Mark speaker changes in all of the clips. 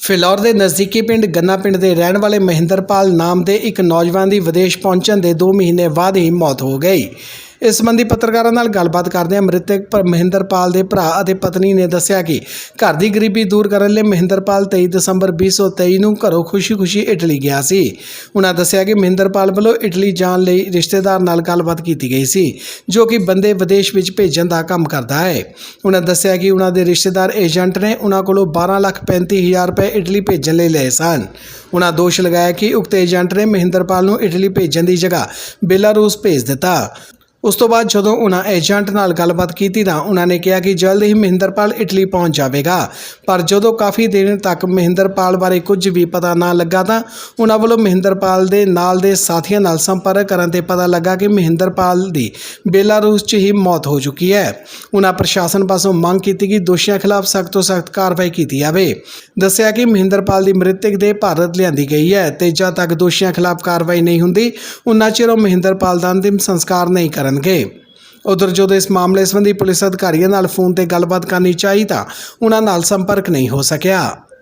Speaker 1: ਫਿਲੌਰ ਦੇ ਨਜ਼ਦੀਕੀ ਪਿੰਡ ਗੰਨਾ ਪਿੰਡ ਦੇ ਰਹਿਣ ਵਾਲੇ ਮਹਿੰਦਰਪਾਲ ਨਾਮ ਦੇ ਇੱਕ ਨੌਜਵਾਨ ਦੀ ਵਿਦੇਸ਼ ਪਹੁੰਚਣ ਦੇ 2 ਮਹੀਨੇ ਬਾਅਦ ਹੀ ਮੌਤ ਹੋ ਗਈ। ਇਸ ਸੰਬੰਧੀ ਪੱਤਰਕਾਰਾਂ ਨਾਲ ਗੱਲਬਾਤ ਕਰਦਿਆਂ ਮ੍ਰਿਤਕ ਮਹਿੰਦਰਪਾਲ ਦੇ ਭਰਾ ਅਤੇ ਪਤਨੀ ਨੇ ਦੱਸਿਆ ਕਿ ਘਰ ਦੀ ਗਰੀਬੀ ਦੂਰ ਕਰਨ ਲਈ ਮਹਿੰਦਰਪਾਲ 23 ਦਸੰਬਰ 2023 ਨੂੰ ਘਰੋਂ ਖੁਸ਼ੀ-ਖੁਸ਼ੀ ਇਟਲੀ ਗਿਆ ਸੀ। ਉਹਨਾਂ ਦੱਸਿਆ ਕਿ ਮਹਿੰਦਰਪਾਲ ਵੱਲੋਂ ਇਟਲੀ ਜਾਣ ਲਈ ਰਿਸ਼ਤੇਦਾਰ ਨਾਲ ਗੱਲਬਾਤ ਕੀਤੀ ਗਈ ਸੀ, ਜੋ ਕਿ ਬੰਦੇ ਵਿਦੇਸ਼ ਵਿੱਚ ਭੇਜਣ ਦਾ ਕੰਮ ਕਰਦਾ ਹੈ। ਉਹਨਾਂ ਦੱਸਿਆ ਕਿ ਉਹਨਾਂ ਦੇ ਰਿਸ਼ਤੇਦਾਰ ਏਜੰਟ ਨੇ ਉਹਨਾਂ ਕੋਲੋਂ 12,35,000 ਰੁਪਏ ਇਟਲੀ ਭੇਜਣ ਲਈ ਲਏ ਸਨ। ਉਹਨਾਂ ਦੋਸ਼ ਲਗਾਇਆ ਕਿ ਉਕਤ ਏਜੰਟ ਨੇ ਮਹਿੰਦਰਪਾਲ ਨੂੰ ਇਟਲੀ ਭੇਜਣ ਦੀ ਜਗ੍ਹਾ ਬੇਲਾਰੂਸ ਭੇਜ ਦਿੱਤਾ। ਉਸ ਤੋਂ ਬਾਅਦ ਜਦੋਂ ਉਹਨਾਂ ਏਜੰਟ ਨਾਲ ਗੱਲਬਾਤ ਕੀਤੀ ਤਾਂ ਉਹਨਾਂ ਨੇ ਕਿਹਾ ਕਿ ਜਲਦ ਹੀ ਮਹਿੰਦਰਪਾਲ ਇਟਲੀ ਪਹੁੰਚ ਜਾਵੇਗਾ, ਪਰ ਜਦੋਂ ਕਾਫੀ ਦਿਨ ਤੱਕ ਮਹਿੰਦਰਪਾਲ ਬਾਰੇ ਕੁਝ ਵੀ ਪਤਾ ਨਾ ਲੱਗਾ ਤਾਂ ਉਹਨਾਂ ਵੱਲੋਂ ਮਹਿੰਦਰਪਾਲ ਦੇ ਨਾਲ ਦੇ ਸਾਥੀਆਂ ਨਾਲ ਸੰਪਰਕ ਕਰਨ ਤੇ ਪਤਾ ਲੱਗਾ ਕਿ ਮਹਿੰਦਰਪਾਲ ਦੀ ਬੇਲਾਰੂਸ 'ਚ ਹੀ ਮੌਤ ਹੋ ਚੁੱਕੀ ਹੈ। ਉਹਨਾਂ ਪ੍ਰਸ਼ਾਸਨ ਪਾਸੋਂ ਮੰਗ ਕੀਤੀ ਕਿ ਦੋਸ਼ੀਆਂ ਖਿਲਾਫ ਸਖਤ ਤੋਂ ਸਖਤ ਕਾਰਵਾਈ ਕੀਤੀ ਜਾਵੇ। ਦੱਸਿਆ ਕਿ ਮਹਿੰਦਰਪਾਲ ਦੀ ਮ੍ਰਿਤਕ ਦੇਹ ਭਾਰਤ ਲਿਆਂਦੀ ਗਈ ਹੈ ਤੇ ਜਦ ਤੱਕ ਦੋਸ਼ੀਆਂ ਖਿਲਾਫ ਕਾਰਵਾਈ ਨਹੀਂ ਹੁੰਦੀ ਉਨਾ ਚਿਰ ਉਹ ਮਹਿੰਦਰਪਾਲ ਦਾ ਅੰਤਿਮ ਸੰਸਕਾਰ ਨਹੀਂ ਕਰਨਗੇ। ਉਧਰ ਜਦੋਂ ਇਸ ਮਾਮਲੇ ਸੰਬੰਧੀ ਪੁਲਿਸ ਅਧਿਕਾਰੀਆਂ ਨਾਲ ਫੋਨ ਤੇ ਗੱਲਬਾਤ ਕਰਨੀ ਚਾਹੀ ਤਾਂ ਉਹਨਾਂ ਨਾਲ ਸੰਪਰਕ ਨਹੀਂ ਹੋ ਸਕਿਆ।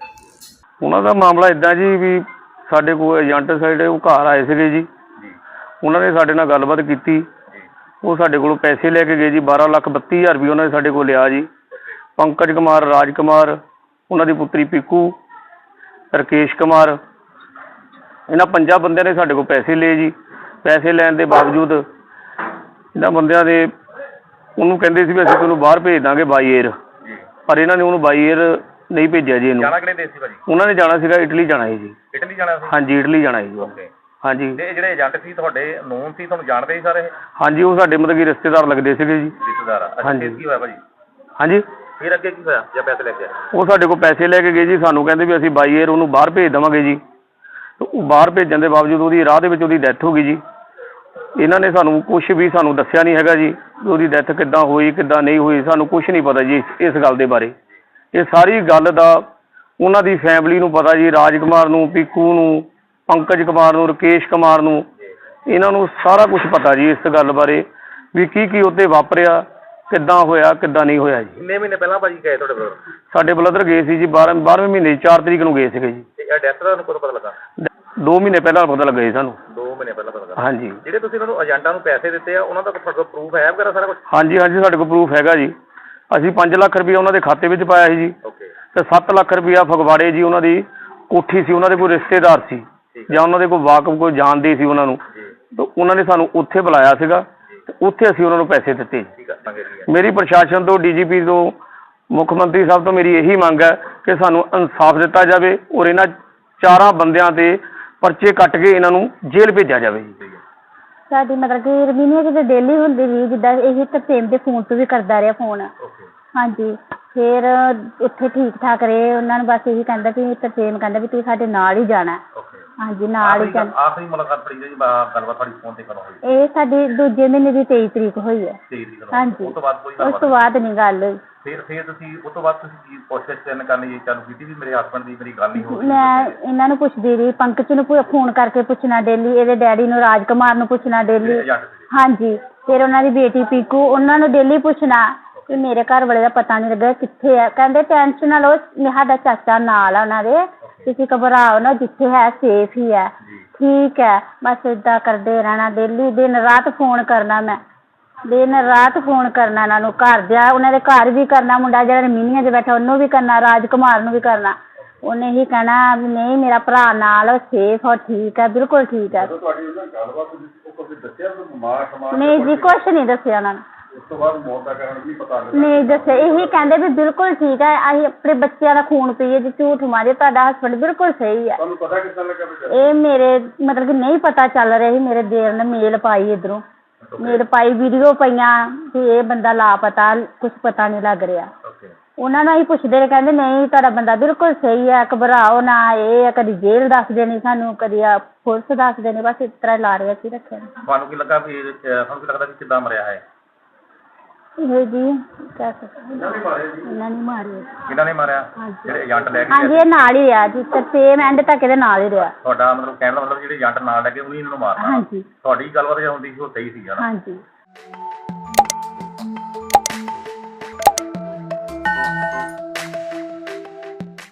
Speaker 2: ਉਹਨਾਂ ਦਾ ਮਾਮਲਾ ਇਦਾਂ ਜੀ ਵੀ ਸਾਡੇ ਕੋਲ ਏਜੰਟ ਸਾਈਡ ਉਹ ਘਰ ਆਏ ਸੀਗੇ ਜੀ। ਉਹਨਾਂ ਨੇ ਸਾਡੇ ਨਾਲ ਗੱਲਬਾਤ ਕੀਤੀ। ਉਹ ਸਾਡੇ ਕੋਲੋਂ ਪੈਸੇ ਲੈ ਕੇ ਗਏ ਜੀ। 12,32,000 ਰੁਪਏ ਉਹਨਾਂ ਨੇ ਸਾਡੇ ਕੋਲ ਲਿਆ ਜੀ। ਪੰਕਜ ਕੁਮਾਰ, ਰਾਜ ਕੁਮਾਰ, ਉਹਨਾਂ ਦੀ ਪੁੱਤਰੀ ਪੀਕੂ, ਰਕੇਸ਼ ਕੁਮਾਰ, ਇਹਨਾਂ 5 ਬੰਦਿਆਂ ਨੇ ਸਾਡੇ ਕੋਲ ਪੈਸੇ ਲਏ ਜੀ। ਪੈਸੇ ਲੈਣ ਦੇ ਬਾਵਜੂਦ ਇਹਨਾਂ ਬੰਦਿਆਂ ਦੇ ਉਹਨੂੰ ਕਹਿੰਦੇ ਸੀ ਵੀ ਅਸੀਂ ਤੁਹਾਨੂੰ ਬਾਹਰ ਭੇਜ ਦਾਂਗੇ ਬਾਈ ਏਅਰ, ਪਰ ਇਹਨਾਂ ਨੇ ਉਹਨੂੰ ਬਾਈ ਏਅਰ ਨਹੀਂ ਭੇਜਿਆ ਜੀ। ਇਹਨੂੰ ਉਹਨਾਂ ਨੇ ਜਾਣਾ ਸੀਗਾ ਇਟਲੀ ਜਾਣਾ ਸੀ ਜੀ।
Speaker 3: ਇਟਲੀ ਜਾਣਾ ਸੀ?
Speaker 2: ਹਾਂਜੀ, ਇਟਲੀ ਜਾਣਾ ਸੀ।
Speaker 3: ਓਕੇ।
Speaker 2: ਹਾਂਜੀ।
Speaker 3: ਤੇ ਜਿਹੜੇ ਏਜੰਟ ਸੀ ਤੁਹਾਡੇ ਨੋਨ ਸੀ, ਤੁਹਾਨੂੰ ਜਾਣਦੇ ਸੀ ਸਾਰੇ?
Speaker 2: ਹਾਂਜੀ, ਉਹ ਸਾਡੇ ਮਤਲਬ ਕਿ ਰਿਸ਼ਤੇਦਾਰ ਲੱਗਦੇ ਸੀਗੇ ਜੀ।
Speaker 3: ਰਿਸ਼ਤੇਦਾਰ?
Speaker 2: ਹਾਂਜੀ।
Speaker 3: ਕੀ ਹੋਇਆ ਭਾਜੀ?
Speaker 2: ਹਾਂਜੀ,
Speaker 3: ਫਿਰ ਅੱਗੇ ਕੀ ਹੋਇਆ ਜਾਂ ਪੈਸੇ ਲੈ ਕੇ ਆਏ?
Speaker 2: ਉਹ ਸਾਡੇ ਕੋਲ ਪੈਸੇ ਲੈ ਕੇ ਗਏ ਜੀ। ਸਾਨੂੰ ਕਹਿੰਦੇ ਵੀ ਅਸੀਂ ਬਾਈ ਏਅਰ ਉਹਨੂੰ ਬਾਹਰ ਭੇਜ ਦੇਵਾਂਗੇ ਜੀ। ਉਹ ਬਾਹਰ ਭੇਜਣ ਦੇ ਬਾਵਜੂਦ ਉਹਦੀ ਰਾਹ ਦੇ ਵਿੱਚ ਉਹਦੀ ਡੈਥ ਹੋ ਗਈ ਜੀ। ਇਹਨਾਂ ਨੇ ਸਾਨੂੰ ਕੁਝ ਵੀ ਸਾਨੂੰ ਦੱਸਿਆ ਨਹੀਂ ਹੈਗਾ ਜੀ। ਉਹਦੀ ਡੈਥ ਕਿੱਦਾਂ ਹੋਈ ਕਿੱਦਾਂ ਨਹੀਂ ਹੋਈ ਸਾਨੂੰ ਕੁਝ ਨਹੀਂ ਪਤਾ ਜੀ ਇਸ ਗੱਲ ਦੇ ਬਾਰੇ। ਇਹ ਸਾਰੀ ਗੱਲ ਦਾ ਉਹਨਾਂ ਦੀ ਫੈਮਿਲੀ ਨੂੰ ਪਤਾ ਜੀ। ਰਾਜ ਕੁਮਾਰ ਨੂੰ, ਪੀਕੂ ਨੂੰ, ਪੰਕਜ ਕੁਮਾਰ ਨੂੰ, ਰਕੇਸ਼ ਕੁਮਾਰ ਨੂੰ, ਇਹਨਾਂ ਨੂੰ ਸਾਰਾ ਕੁਝ ਪਤਾ ਜੀ ਇਸ ਗੱਲ ਬਾਰੇ ਵੀ ਕੀ ਉੱਤੇ ਵਾਪਰਿਆ, ਕਿੱਦਾਂ ਹੋਇਆ ਕਿੱਦਾਂ ਨਹੀਂ ਹੋਇਆ ਜੀ।
Speaker 3: ਕਿੰਨੇ ਮਹੀਨੇ ਪਹਿਲਾਂ ਭਾਜੀ ਗਏ ਤੁਹਾਡੇ ਬ੍ਰਦਰ?
Speaker 2: ਸਾਡੇ ਬ੍ਰਦਰ ਗਏ ਸੀ ਜੀ 12ਵੇਂ ਮਹੀਨੇ 4 ਤਰੀਕ ਨੂੰ ਗਏ ਸੀਗੇ ਜੀ।
Speaker 3: ਤੇ ਇਹ ਡੈਥ ਦਾ ਕਦੋਂ ਪਤਾ ਲੱਗਾ?
Speaker 2: 2 ਮਹੀਨੇ ਪਹਿਲਾਂ ਪਤਾ ਲੱਗਾ ਜੀ ਸਾਨੂੰ।
Speaker 3: 2 ਮਹੀਨੇ ਪਹਿਲਾਂ ਪਤਾ ਲੱਗਾ?
Speaker 2: ਹਾਂਜੀ।
Speaker 3: ਜਿਹੜੇ ਤੁਸੀਂ ਇਹਨਾਂ ਨੂੰ ਏਜੰਟਾਂ ਨੂੰ ਪੈਸੇ ਦਿੱਤੇ ਆ ਉਹਨਾਂ ਦਾ ਤੁਹਾਡੇ ਕੋਲ ਪ੍ਰੂਫ ਹੈ ਵਗੈਰਾ ਸਾਰਾ ਕੁਝ?
Speaker 2: ਹਾਂਜੀ ਹਾਂਜੀ, ਸਾਡੇ ਕੋਲ ਪ੍ਰੂਫ ਹੈਗਾ ਜੀ। ਅਸੀਂ 5 ਲੱਖ ਰੁਪਇਆ ਉਹਨਾਂ ਦੇ ਖਾਤੇ ਵਿੱਚ ਪਾਇਆ ਸੀ ਜੀ।
Speaker 3: ਓਕੇ। ਤੇ
Speaker 2: 7 ਲੱਖ ਰੁਪਇਆ ਫਗਵਾੜੇ ਜੀ ਉਹਨਾਂ ਦੀ ਕੋਠੀ ਸੀ, ਉਹਨਾਂ ਦੇ ਕੋਈ ਰਿਸ਼ਤੇਦਾਰ ਸੀ ਜਾਂ ਉਹਨਾਂ ਦੇ ਕੋਈ ਵਾਕਫ ਕੋਈ ਜਾਣਦੇ ਸੀ ਉਹਨਾਂ ਨੂੰ, ਤਾਂ ਉਹਨਾਂ ਨੇ ਸਾਨੂੰ ਉੱਥੇ ਬੁਲਾਇਆ ਸੀਗਾ ਤੇ ਉੱਥੇ ਅਸੀਂ ਉਹਨਾਂ ਨੂੰ ਪੈਸੇ ਦਿੱਤੇ। ਮੇਰੀ ਪ੍ਰਸ਼ਾਸਨ ਤੋਂ, ਡੀਜੀਪੀ ਤੋਂ, ਮੁੱਖ ਮੰਤਰੀ ਸਾਹਿਬ ਤੋਂ ਮੇਰੀ ਇਹੀ ਮੰਗ ਹੈ ਕਿ ਸਾਨੂੰ ਇਨਸਾਫ ਦਿੱਤਾ ਜਾਵੇ ਔਰ ਇਹਨਾਂ 4 ਬੰਦਿਆਂ ਤੇ ਪਰਚੇ ਕੱਟ ਕੇ ਇਹਨਾਂ ਨੂੰ ਜੇਲ੍ਹ ਭੇਜਿਆ ਜਾਵੇ ਜੀ।
Speaker 4: ਸਾਡੀ ਮਤਲਬ ਕਿ ਰਮੀਨੀਆ ਕਿਤੇ ਡੇਲੀ ਹੁੰਦੀ ਵੀ ਜਿੱਦਾਂ ਇਹ ਤਰਸੇਮ ਦੇ ਫੋਨ ਤੋਂ ਵੀ ਕਰਦਾ ਰਿਹਾ ਫੋਨ। ਹਾਂਜੀ। ਫਿਰ ਉੱਥੇ ਠੀਕ ਠਾਕ ਰਹੇ। ਉਹਨਾਂ ਨੂੰ ਬਸ ਇਹੀ ਕਹਿੰਦਾ ਵੀ ਤਰਸੇਮ ਕਹਿੰਦਾ ਵੀ ਤੂੰ ਸਾਡੇ ਨਾਲ ਹੀ ਜਾਣਾ। ਹਾਂਜੀ, ਨਾਲ ਹੀ ਜਾਣਾ।
Speaker 3: ਆਖਰੀ ਮੁਲਾਕਾਤ ਪੜੀ ਜੀ ਗੱਲਬਾਤ ਤੁਹਾਡੀ ਫੋਨ ਤੇ ਕਦੋਂ ਹੋਈ?
Speaker 4: ਇਹ ਸਾਡੀ ਦੂਜੇ ਮਹੀਨੇ ਦੀ 23 ਤਰੀਕ ਹੋਈ ਹੈ।
Speaker 3: 23 ਤਰੀਕ?
Speaker 4: ਹਾਂਜੀ।
Speaker 3: ਉਸ ਤੋਂ ਬਾਅਦ ਕੋਈ
Speaker 4: ਉਸ ਤੋਂ ਬਾਅਦ ਨਹੀਂ ਗੱਲ ਹੋਈ।
Speaker 3: ਫਿਰ ਤੁਸੀਂ ਉਸ ਤੋਂ ਬਾਅਦ ਤੁਸੀਂ ਕੀ ਕੋਸ਼ਿਸ਼ ਕਰਨੀ ਚਾਲੂ ਕੀਤੀ ਵੀ ਮੇਰੇ ਹਸਬੈਂਡ ਦੀ ਮੇਰੀ ਗੱਲ ਨਹੀਂ ਹੋ ਰਹੀ?
Speaker 4: ਮੈਂ ਇਹਨਾਂ ਨੂੰ ਪੁੱਛਦੀ ਰਹੀ, ਪੰਕਜ ਨੂੰ ਫੋਨ ਕਰਕੇ ਪੁੱਛਣਾ ਡੇਲੀ, ਇਹਦੇ ਡੈਡੀ ਨੂੰ ਰਾਜ ਕੁਮਾਰ ਨੂੰ ਪੁੱਛਣਾ ਡੇਲੀ। ਹਾਂਜੀ। ਫਿਰ ਉਹਨਾਂ ਦੀ ਬੇਟੀ ਪੀਕੂ, ਉਹਨਾਂ ਨੂੰ ਡੇਲੀ ਪੁੱਛਣਾ ਕਿ ਮੇਰੇ ਘਰ ਵਾਲੇ ਦਾ ਪਤਾ ਨਹੀਂ ਲੱਗਾ ਕਿੱਥੇ ਹੈ। ਕਹਿੰਦੇ ਟੈਨਸ਼ਨ ਨਾ ਲਓ, ਸਾਡਾ ਚਾਚਾ ਨਾਲ ਆ ਉਹਨਾਂ ਦੇ, ਤੁਸੀਂ ਘਬਰਾਓ ਨਾ, ਜਿੱਥੇ ਹੈ ਸੇਫ ਹੀ ਹੈ। ਠੀਕ ਹੈ। ਬਸ ਏਦਾਂ ਕਰਦੇ ਰਹਿਣਾ ਡੇਲੀ, ਦਿਨ ਰਾਤ ਫੋਨ ਕਰਨਾ। ਮੈਂ ਦਿਨ ਰਾਤ ਫੋਨ ਕਰਨਾ ਇਹਨਾਂ ਨੂੰ, ਘਰ ਜਾ ਉਹਨਾਂ ਦੇ ਘਰ ਵੀ ਕਰਨਾ, ਮੁੰਡਾ ਜਿਹੜਾ ਰਮੀਨੀਆ 'ਚ ਬੈਠਾ ਉਹਨੂੰ ਵੀ ਕਰਨਾ, ਰਾਜ ਕੁਮਾਰ ਨੂੰ ਵੀ ਕਰਨਾ। ਉਹਨੇ ਹੀ ਕਹਿਣਾ ਵੀ ਨਹੀਂ ਮੇਰਾ ਭਰਾ ਨਾਲ ਸੇਫ ਹੋ, ਠੀਕ ਹੈ, ਬਿਲਕੁਲ ਠੀਕ ਹੈ। ਨਹੀਂ ਜੀ, ਕੁਛ ਨਹੀਂ ਦੱਸਿਆ ਉਹਨਾਂ ਨੇ।
Speaker 3: ਉਸ ਤੋਂ ਬਾਅਦ ਮੌਤ ਦਾ ਕਾਰਨ ਵੀ ਪਤਾ
Speaker 4: ਨਹੀਂ ਦੱਸਿਆ। ਇਹੀ ਕਹਿੰਦੇ ਵੀ ਬਿਲਕੁਲ ਠੀਕ ਹੈ, ਅਸੀਂ ਆਪਣੇ ਬੱਚਿਆਂ ਦਾ ਖੂਨ ਪੀਏ ਜੀ, ਝੂਠ ਮਾਰੇ, ਤੁਹਾਡਾ ਹਸਬੈਂਡ ਬਿਲਕੁਲ ਸਹੀ ਹੈ।
Speaker 3: ਤੁਹਾਨੂੰ ਪਤਾ ਕਿੱਦਾਂ ਲੱਗਾ?
Speaker 4: ਇਹ ਮੇਰੇ ਮਤਲਬ ਕਿ ਨਹੀਂ ਪਤਾ ਚੱਲ ਰਿਹਾ ਸੀ। ਮੇਰੇ ਦੇਰ ਨੇ ਮੇਲ ਪਾਈ, ਇੱਧਰੋਂ ਮੇਲ ਪਾਈ, ਵੀਡੀਓ ਪਈਆਂ ਵੀ ਇਹ ਬੰਦਾ ਲਾਪਤਾ, ਕੁਛ ਪਤਾ ਨਹੀਂ ਲੱਗ ਰਿਹਾ। ਉਹਨਾਂ ਨੂੰ ਅਸੀਂ ਪੁੱਛਦੇ ਰਹੇ, ਕਹਿੰਦੇ ਨਹੀਂ ਤੁਹਾਡਾ ਬੰਦਾ ਬਿਲਕੁਲ ਸਹੀ ਹੈ, ਘਬਰਾਓ ਨਾ। ਇਹ ਕਦੀ ਜੇਲ੍ਹ ਦੱਸਦੇ ਨੇ ਸਾਨੂੰ, ਕਦੀ ਪੁਲਿਸ ਦੱਸਦੇ ਨੇ, ਬਸ ਇਸ ਤਰ੍ਹਾਂ ਲਾ ਰਹੇ ਅਸੀਂ ਰੱਖਿਆ।
Speaker 3: ਤੁਹਾਨੂੰ ਕੀ ਲੱਗਾ ਵੀ ਤੁਹਾਨੂੰ ਕੀ ਲੱਗਦਾ ਵੀ ਕਿੱਦਾਂ ਮਰਿਆ ਹੈ
Speaker 4: ਇਹ ਜੀ? ਇਹਨਾਂ ਨੇ ਮਾਰਿਆ।
Speaker 3: ਕਿਹਨਾਂ ਨੇ ਮਾਰਿਆ? ਜਿਹੜੇ ਏਜੰਟ ਲੈ ਕੇ?
Speaker 4: ਹਾਂਜੀ, ਇਹ ਨਾਲ ਹੀ ਰਿਹਾ ਜੀ, ਸੇਮ ਐਂਡ ਤੱਕ ਇਹਦੇ ਨਾਲ ਹੀ ਰਿਹਾ।
Speaker 3: ਤੁਹਾਡਾ ਮਤਲਬ ਕਹਿਣ ਦਾ ਮਤਲਬ ਜਿਹੜੇ ਏਜੰਟ ਨਾਲ ਲੈ ਕੇ ਉਹਨੇ ਇਹਨਾਂ ਨੂੰ ਮਾਰਨਾ?
Speaker 4: ਹਾਂਜੀ।
Speaker 3: ਤੁਹਾਡੀ ਗੱਲਬਾਤ ਜੋ ਹੁੰਦੀ ਸੀ ਉਹ ਸਹੀ ਸੀ?
Speaker 4: ਹਾਂਜੀ।